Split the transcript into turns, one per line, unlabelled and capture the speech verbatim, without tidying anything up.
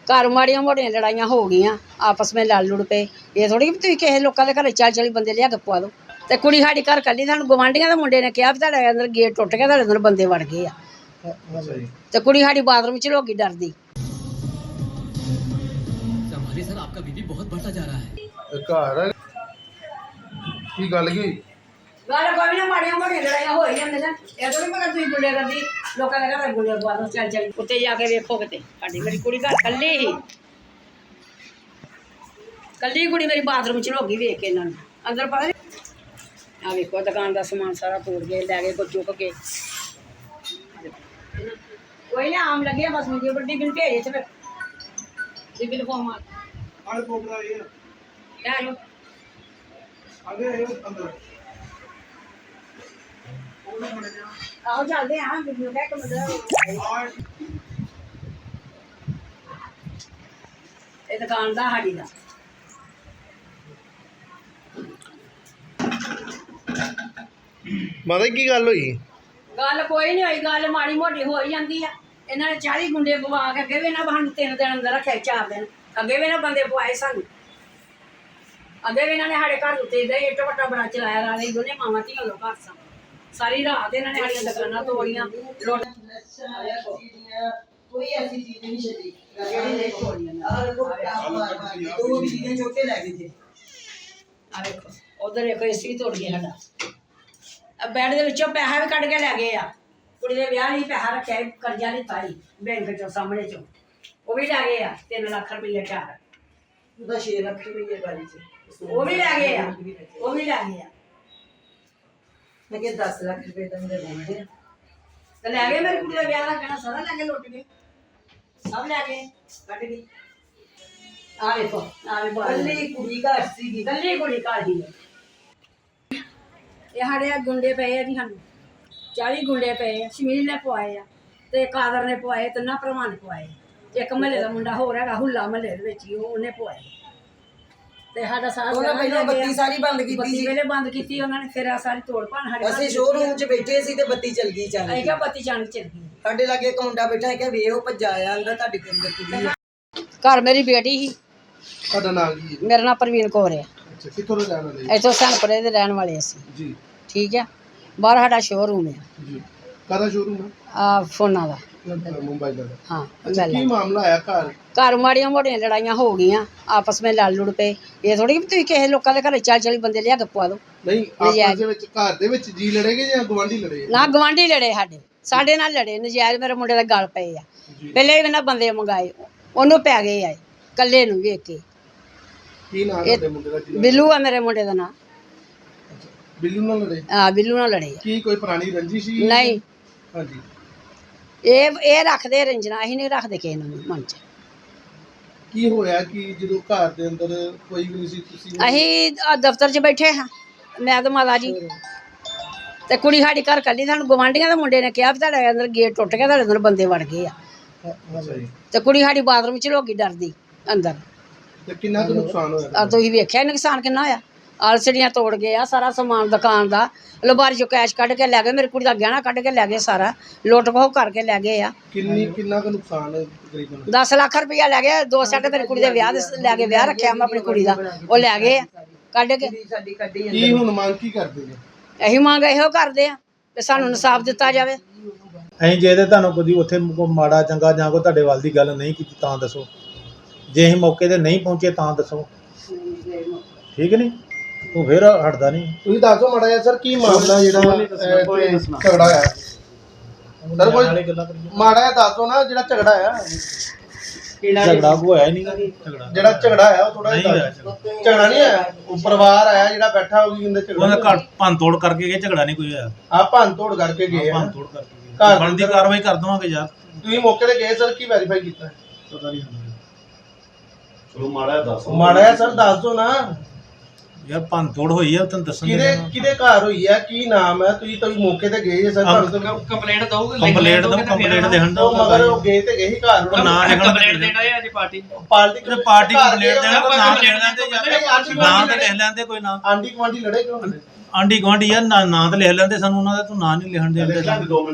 घर माड़ियां मोटियां लड़ाइयां हो गई आपस में लड़ लुड़ पे ये थोड़ी कि तुसीं किसे लोकां दे घरे चाली चाली बंदे लिया के पवा दो ते कुड़ी साडी घर कल्ली सानूं गवांढियां दे मुंडे ने कहा भी तुहाडे अंदर गेट टुट गया तुहाडे अंदर बंदे वड़ गए आ ते कुड़ी साडी बाथरूम च लोगी डरदी
संभालिए सर आपका बीबी बहुत बढ़ता जा रहा है
घर की गल की
गल कोई ना माड़ियां मोटियां लड़ाइयां हो ही जांदियां ये थोड़ी मगर तुसीं गुंडे करदी लोकां दे घरे गुंडे पवा दो चल चल उत्ते जाके वेखो किते साडी मेरी कुड़ी घर कल्ली ही कल्ली कुड़ी मेरी बाथरूम च लोगी वेख के इन्हां नूं अंदर पता नहीं आ वेखो दुकान का समान सारा तोड़ गए लै गए कोई चुक के कोई ना आम लगे बस मुझे बड़ी बिन भेजे थे फिर बिल फॉर्म आ
आले पोपड़ा ये
क्या लो
आगे आयो अंदर
आओ चलते हैं वीडियो का एक मतलब ये दुकान दा साडी दा
माता की गल हुई
गल कोई नहीं हुई गल माड़ी मोटी हो ही जाती है इन्होंने चाली गुंडे पवा के अगे भी इन्हें सानू तीन दिन अंदर रखे चार दिन अगे भी इन्हें बंदे पवाए सानू अगे भी इन्होंने साढ़े घर उत्ते इट वट्टा बड़ा चलाया रात दोनों मावां धियां लोग घर सन सारी रात इन्होंने साड़ियां दुकानां तोड़ियां
कोई ऐसी चीज नहीं छड़ी दो चीजें चुक के ले गए थे
आ देखो उधर एक एसी तोड़ गया साडा बैड दे विचों पैसा भी कढ के लै गए आ कुड़ी दे ब्याह लई पैसा रखिया कर्जा लिता ही बैंक चों सामने चों वो भी लै गए आ तीन लाख रुपये चार
ਉਹਦਾ छह ਲੱਖ ਰੁਪਏ ਵਾਲੀ ਸੀ
वो भी लै गए आ वो भी लै गए आ
ਮੈਂ ਕਿ दस ਲੱਖ ਰੁਪਏ ਤਾਂ ਮੇਰੇ ਬਣਦੇ ਆ
ਤੇ ਲੈ ਗਏ ਮੇਰੀ ਕੁੜੀ ਦਾ ਵਿਆਹ ਦਾ ਕਹਿਣਾ ਸਾਰਾ ਲੈ ਕੇ ਲੁੱਟ ਗਏ ਸਭ ਲੈ ਗਏ ਕੱਢ ਗਏ ਆ ਵੇਖੋ ਆ ਵੇ ਬਾਹਰ
ਕੱਲੀ ਕੁੜੀ ਘਰ ਸੀਗੀ
ਕੱਲੀ ਕੁੜੀ ਘਰ ਹੀ ਇਹ ਸਾਡੇ ਆ ਗੁੰਡੇ ਪਏ ਆ ਜੀ ਸਾਨੂੰ ਚਾਲੀ ਗੁੰਡੇ ਪਏ ਆ ਸ਼ਮੀਲ ਨੇ ਪਵਾਏ ਆ ਤੇ ਕਾਦਰ ਨੇ ਪਵਾਏ ਤੇ ਨਾ ਭਰਾਵਾਂ ਨੇ ਪਵਾਏ ਇੱਕ ਮਹੱਲੇ ਦਾ ਮੁੰਡਾ ਹੋਰ ਹੈਗਾ ਹੁੱਲਾ ਮਹੱਲੇ ਦੇ ਵਿੱਚ ਹੀ ਉਹ ਉਹਨੇ ਪਵਾਏ ਤੇ ਸਾਡਾ ਸਾਰਾ
ਉਹਨਾਂ ਪਹਿਲਾਂ ਬੱਤੀ ਸਾਰੀ ਬੰਦ ਕੀਤੀ
ਬੱਤੀ
ਸੀ
ਵੇਲੇ ਬੰਦ ਕੀਤੀ ਉਹਨਾਂ ਨੇ ਫਿਰ ਆ ਸਾਰੀ ਤੋੜ ਭੰਨ ਸਾਡੇ
ਅਸੀਂ ਸ਼ੋਰੂਮ 'ਚ ਬੈਠੇ ਸੀ ਤੇ ਬੱਤੀ ਚਲ ਗਈ ਚੱਲ
ਅਸੀਂ
ਗਈ
ਕਿਹਾ ਬੱਤੀ ਜਾਣ ਚੱਲ ਗਈ
ਸਾਡੇ ਲਾਗੇ ਇੱਕ ਮੁੰਡਾ ਬੈਠਾ ਹੈ ਕਿ ਵੇ ਉਹ ਭੱਜਾ ਆਇਆ ਅੰਦਰ ਤੁਹਾਡੇ ਕੋਲ ਅੰਦਰ ਕੁੜੀ ਆ।
ਘਰ ਮੇਰੀ ਬੇਟੀ ਸੀ
ਤੁਹਾਡਾ ਨਾਮ ਕੀ ਹੈ
ਮੇਰਾ ਨਾਮ ਪ੍ਰਵੀਨ ਕੌਰ ਹੈ
ਅੱਛਾ ਕਿੱਥੋਂ ਦੇ ਰਹਿਣ ਵਾਲੇ
ਇੱਥੋਂ ਸਨਪੁਰੇ ਦੇ ਰਹਿਣ ਵਾਲੇ ਅਸੀਂ
ਜੀ
ਠੀਕ ਹੈ ਬਾਹਰ ਸਾਡਾ ਸ਼ੋਰੂਮ ਹੈ
ਜੀ ਕਾਹਦਾ ਸ਼ੋਰੂਮ ਹੈ
ਆ ਫੋਨਾਂ ਦਾ
ਮੁੰਬਈ ਦਾ
ਹਾਂ
ਅੱਛਾ ਕੀ ਮਾਮਲਾ ਆਇਆ ਘਰ
घर माड़ियां मोटियां लड़ाइयां हो गई आपस में लड़ लुड़ पे ये थोड़ी कि तुसीं किसे लोकां दे घरे चाली चाली बंदे लिया के पवा दो
ਨਹੀਂ ਆਪਸ ਦੇ ਵਿੱਚ ਘਰ ਦੇ ਵਿੱਚ ਜੀ ਲੜेगे ਜਾਂ ਗਵਾਂਢੀ ਲੜੇ
ना गवांढी लड़े साडे साडे नाल लड़े नजायज मेरे मुंडे दे गल पए आ पहले भी ना बंदे मंगाए ओनू पै गए आए कल्ले नू वेख के
ਕੀ ਨਾਮ ਹੈ ਮੁੰਡੇ ਦਾ ਜੀ
बिल्लू आ मेरे मुंडे दा नाम
ਬਿੱਲੂ ਨਾਲ ਲੜੇ
हां बिल्लू नाल लड़े
ਕੀ ਕੋਈ ਪੁਰਾਣੀ ਰੰਜਿਸ਼ ਸੀ
नहीं
ਹਾਂਜੀ
ये ये रखदे रंजना असीं नहीं रखदे किसे नूं मन च
ਕੀ ਹੋਇਆ ਕਿ ਜਦੋਂ ਘਰ ਦੇ ਅੰਦਰ ਕੋਈ ਵੀ ਨਹੀਂ ਸੀ ਤੁਸੀਂ
ਅਸੀਂ ਦਫ਼ਤਰ 'ਚ ਬੈਠੇ ਹਾਂ ਮੈਂ ਤੇ ਮਾਤਾ ਜੀ ਤੇ ਕੁੜੀ ਸਾਡੀ ਘਰ ਕੱਲੀ ਸਾਨੂੰ ਗਵਾਂਢੀਆਂ ਦੇ ਮੁੰਡੇ ਨੇ ਕਿਹਾ ਵੀ ਤੁਹਾਡੇ ਅੰਦਰ ਗੇਟ ਟੁੱਟ ਗਿਆ ਤੁਹਾਡੇ ਅੰਦਰ ਬੰਦੇ ਵੜ ਗਏ ਆ
ਅੱਛਾ ਜੀ
ਤੇ ਕੁੜੀ ਸਾਡੀ ਬਾਥਰੂਮ 'ਚ ਲੋਕੀ ਡਰਦੀ ਅੰਦਰ
ਤੇ ਕਿੰਨਾ ਕੁ ਨੁਕਸਾਨ ਹੋਇਆ
ਆ ਤੁਸੀਂ ਵੇਖਿਆ ਨੁਕਸਾਨ ਕਿੰਨਾ ਹੋਇਆ ਆਲਸੜੀਆਂ ਤੋੜ ਗਏ ਆ ਸਾਰਾ ਸਮਾਨ ਦੁਕਾਨ ਦਾ ਲਬਾਰੀ 'ਚੋਂ ਕੈਸ਼ ਕੱਢ ਕੇ ਲੈ ਗਏ ਮੇਰੀ ਕੁੜੀ ਦਾ ਗਹਿਣਾ ਕੱਢ ਕੇ ਲੈ ਗਏ ਸਾਰਾ ਲੁੱਟ ਖੋਹ ਕਰਕੇ ਲੈ ਗਏ ਆ
ਕਿੰਨੀ ਕਿੰਨਾ ਕੁ ਨੁਕਸਾਨ ਹੈ ਤਕਰੀਬਨ
ਦਸ ਲੱਖ ਰੁਪਈਆ ਲੈ ਗਏ ਦੋ ਸੈੱਟ ਮੇਰੀ ਕੁੜੀ ਦੇ ਵਿਆਹ ਦੇ ਲੈ ਕੇ ਵਿਆਹ ਰੱਖਿਆ ਮੈਂ ਆਪਣੀ ਕੁੜੀ ਦਾ ਉਹ ਲੈ ਗਏ ਆ ਕੱਢ ਕੇ
ਸਾਡੀ ਕੱਢੀ
ਕੀ ਹੁਣ ਮੰਗ ਕੀ ਕਰਦੇ ਨੇ
ਅਸੀਂ ਮੰਗ ਇਹੋ ਕਰਦੇ ਆ ਕਿ ਸਾਨੂੰ ਇਨਸਾਫ ਦਿੱਤਾ ਜਾਵੇ
ਅਸੀਂ ਜੇ ਤੇ ਤੁਹਾਨੂੰ ਕੋਈ ਉੱਥੇ ਕੋਈ ਮਾੜਾ ਚੰਗਾ ਜਾਂ ਕੋਈ ਤੁਹਾਡੇ ਵੱਲ ਦੀ ਗੱਲ ਨਹੀਂ ਕੀਤੀ ਤਾਂ ਦੱਸੋ ਜੇ ਅਸੀਂ ਮੌਕੇ ਤੇ ਨਹੀਂ ਪਹੁੰਚੇ ਤਾਂ ਦੱਸੋ ਠੀਕ ਨਹੀਂ ਉਹ ਫਿਰ ਹਟਦਾ ਨਹੀਂ
ਤੁਸੀਂ ਦੱਸੋ ਮਾੜਾ ਜਿਹਾ ਸਰ ਕੀ ਮਾਮਲਾ ਜਿਹੜਾ ਅਹ, ਝਗੜਾ ਹੋਇਆ ਸਰ ਕੋਈ ਮਾੜਾ ਜਿਹਾ ਦੱਸੋ ਨਾ ਜਿਹੜਾ ਝਗੜਾ ਆ
ਝਗੜਾ ਕੋ ਹੋਇਆ ਹੀ ਨਹੀਂ ਝਗੜਾ
ਜਿਹੜਾ ਝਗੜਾ ਆਇਆ ਉਹ ਥੋੜਾ
ਨਹੀਂ
ਜਿਹਾ
ਹੋਇਆ
ਦੱਸੋ। ਝਗੜਾ ਨਹੀਂ ਆਇਆ ਉਹ ਪਰਿਵਾਰ ਆਇਆ ਜਿਹੜਾ ਬੈਠਾ ਉਹ ਕੀ ਕਹਿੰਦੇ
ਉਹਨਾਂ
ਝਗੜਾ
ਘਰ ਭੰਨ ਤੋੜ ਕਰਕੇ ਗਏ ਝਗੜਾ ਨਹੀਂ ਕੋਈ ਹੋਇਆ
ਆ ਭੰਨ ਤੋੜ ਕਰਕੇ ਗਏ ਆ
ਭੰਨ ਤੋੜ ਕਰਕੇ
ਘਰ
ਗਏ ਬਣਦੀ ਕਾਰਵਾਈ ਕਰ ਦਵਾਂਗੇ ਯਾਰ
ਤੁਸੀਂ ਮੌਕੇ ਤੇ ਗਏ ਸਰ ਕੀ ਵੈਰੀਫਾਈ ਕੀਤਾ
ਪਤਾ ਨਹੀਂ
ਚਲੋ ਮਾੜਾ ਦੱਸ
ਮਾੜਾ ਜਿਹਾ ਸਰ ਦੱਸ ਦਿਓ ਨਾ
ਯਾਰ ਭੰਨ ਤੋੜ ਹੋਈ ਆ ਤੁਹਾਨੂੰ ਦੱਸਣ
ਕਿਹਦੇ ਕਿਹਦੇ ਘਰ ਹੋਈ ਆ ਕੀ ਨਾਮ ਹੈ ਤੁਸੀਂ ਤੁਸੀਂ ਮੌਕੇ ਤੇ ਗਏ ਜੇ ਸਰ ਤੁਹਾਨੂੰ ਤਾਂ
ਕੰਪਲੇਂਟ ਦਊਗੇ
ਕੰਪਲੇਂਟ ਦਾ ਕੰਪਲੇਂਟ ਦੇਣ ਦਾ
ਉਹ ਮਗਰ ਉਹ ਗਏ ਤੇ ਗਏ ਹੀ ਘਰ
ਉਹ ਨਾਂ ਲਿਖਣਾ
ਕੰਪਲੇਂਟ ਦੇਣਾ ਹੈ ਅੱਜ ਪਾਰਟੀ
ਪਾਰਟੀ
ਤੇ ਪਾਰਟੀ ਕੰਪਲੇਂਟ ਦੇਣਾ ਕੋਈ ਨਾਮ ਲਿਖ ਲੈਂਦੇ
ਆਂਢੀ
ਨਾਂ ਤੇ ਲਿਖ ਲੈਂਦੇ ਕੋਈ ਨਾਮ
ਆਂਢੀ ਗੁਆਂਢੀ ਲੜੇ ਕਿਉਂ ਹੁੰਦੇ
ਆਂਢੀ ਗੁਆਂਢੀ ਯਾਰ ਨਾਂ ਨਾਂ ਤੇ ਲਿਖ ਲੈਂਦੇ ਸਾਨੂੰ ਉਹਨਾਂ ਦਾ ਤੂੰ ਨਾਂ ਨਹੀਂ ਲਿਖਣ ਦੇ
ਦੋ ਮਿੰਟ